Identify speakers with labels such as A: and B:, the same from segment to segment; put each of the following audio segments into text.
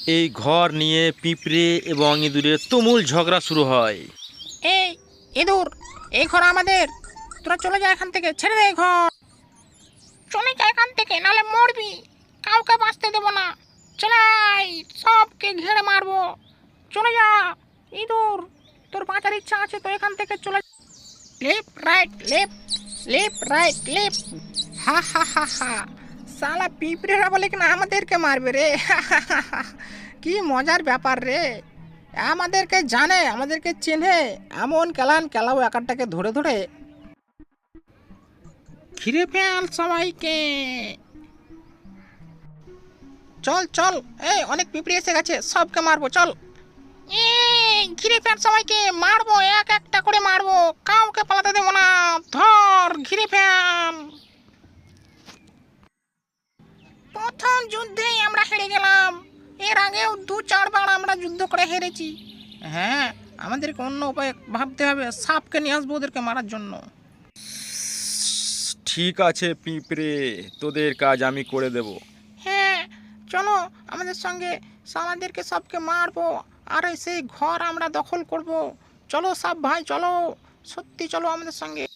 A: এই ঘর নিয়ে পিঁপড়ে এবং ইঁদুরের তুমুল ঝগড়া শুরু হয়।
B: এই ইঁদুর, এই ঘর আমাদের, তোরা চলে যা এখান থেকে, ছেড়ে দে এই ঘর। চলে যা এখান থেকে, নাহলে মরবি, কাউকে বাঁচতে দেবো না। চলাই, সবকে ঘিরে মারবো। চলে যা ইঁদুর, তোর বাঁচার ইচ্ছা আছে তো এখান থেকে চলে। Left right left, left right left. হা হা হা হা, সালা পিঁপড়েরা বলে কিনা আমাদেরকে মারবে রে। কি মজার ব্যাপার রে, আমাদেরকে জানে, আমাদেরকে চেনে, এমন কেলান কেলাবো একারটাকে ধরে ধরে। ঘিরে ফেল সবাইকে, চল চল, এই অনেক পিঁপড়ে এসে গেছে, সবকে মারবো, চল। এই ঘিরে ফেল সবাইকে, মারবো, এক একটা করে মারবো, কাউকে পালাতে দেবো না। ধর, ঘিরে ফেল। প্রথম যুদ্ধেই আমরা হেরে গেলাম, এর আগেও 2-4 বার আমরা যুদ্ধ করে হেরেছি। হ্যাঁ, আমাদেরকে অন্য উপায় ভাবতে হবে, সাপকে নিয়ে আসবো ওদেরকে মারার জন্য।
A: ঠিক আছে পিঁপড়ে, তোদের কাজ আমি করে দেব।
B: হ্যাঁ, চলো আমাদের সঙ্গে, আমাদেরকে সবকে মারবো, আর সেই ঘর আমরা দখল করব। চলো সাপ ভাই, চলো, সত্যি চলো আমাদের সঙ্গে।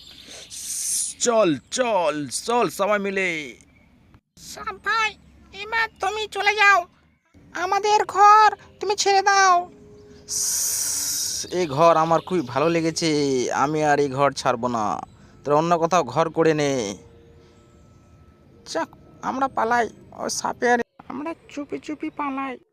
A: চল চল চল সবাই মিলে।
B: সাপ ভাই, এবার তুমি চলে যাও, আমাদের ঘর তুমি ছেড়ে দাও।
A: এই ঘর আমার খুবই ভালো লেগেছে, আমি আর এই ঘর ছাড়বো না, তোরা অন্য কোথাও ঘর করে নে।
B: যাক, আমরা পালাই, ওই সাপে আর আমরা চুপি চুপি পালাই।